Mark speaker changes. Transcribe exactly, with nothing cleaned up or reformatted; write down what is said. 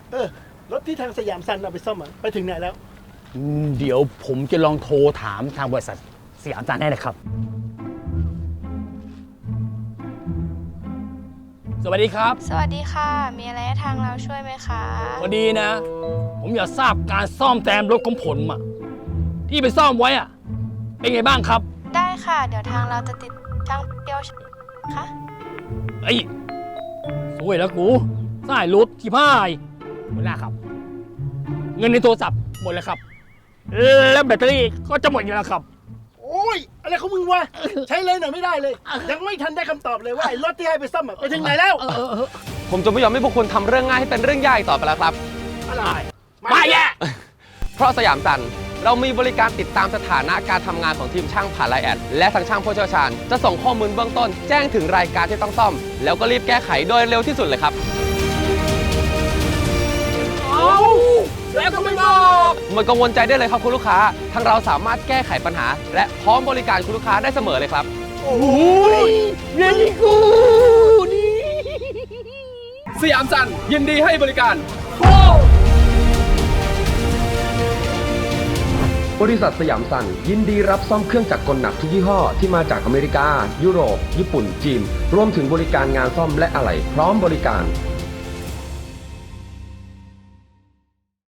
Speaker 1: เออรถที่ทางสยามซันเอาไปซ่อมอะไปถึงไหนแล้ว
Speaker 2: เดี๋ยวผมจะลองโทรถามทางบริษัทสยามซันให้นะครับสวัสดีครับ
Speaker 3: สวัสดีค่ะมีอะไรให้ทางเราช่วยไหมคะ
Speaker 2: พอดีนะ ผมอยากทราบการซ่อมแซมรถของผมอะที่ไปซ่อมไว้อะเป็นไงบ้างครับ
Speaker 3: ได้ค่ะเดี๋ยวทางเราจะติดช่างเดียวค่ะ
Speaker 2: ไอ้สวยแล้วกูสายรถที่พ่ายหมดแล้วครับเงินในโทรศัพท์หมดแล้วครับแล้วแบตเตอรี่ก็จะหมดอยู่แล้วครับ
Speaker 1: โอ้ยอะไรของมึงวะใช้เลยหน่อยไม่ได้เลยยังไม่ทันได้คำตอบเลยว่าไอ้รถที่ให้ไปซ่อมอะไปถึงไหนแล้ว
Speaker 4: ผมจะไม่ยอมให้พวกคุณทำเรื่องง่ายให้เป็นเรื่องยากต่อไปแล้วครับ
Speaker 1: อะไร
Speaker 2: มาแย่
Speaker 4: เพราะสยามซันเรามีบริการติดตามสถานะการทำงานของทีมช่างผ่านไลน์แอดและทางช่างผู้เชี่ยวชาญจะส่งข้อมูลเบื้องต้นแจ้งถึงรายการที่ต้องซ่อมแล้วก็รีบแก้ไขโดยเร็วที่สุดเลยครับ
Speaker 2: เอาแล้วก็ไม่บอก
Speaker 4: ไม่กังวลใจได้เลยครับคุณลูกค้าทางเราสามารถแก้ไขปัญหาและพร้อมบริการคุณลูกค้าได้เสมอเลยครับ
Speaker 2: โอ้ยเรื่องนี้กูนี่
Speaker 4: สยามซันยินดีให้บริการบริษัทสยามซันยินดีรับซ่อมเครื่องจักรกลหนักทุกยี่ห้อที่มาจากอเมริกายุโรปญี่ปุ่นจีนรวมถึงบริการงานซ่อมและอะไหล่พร้อมบริการ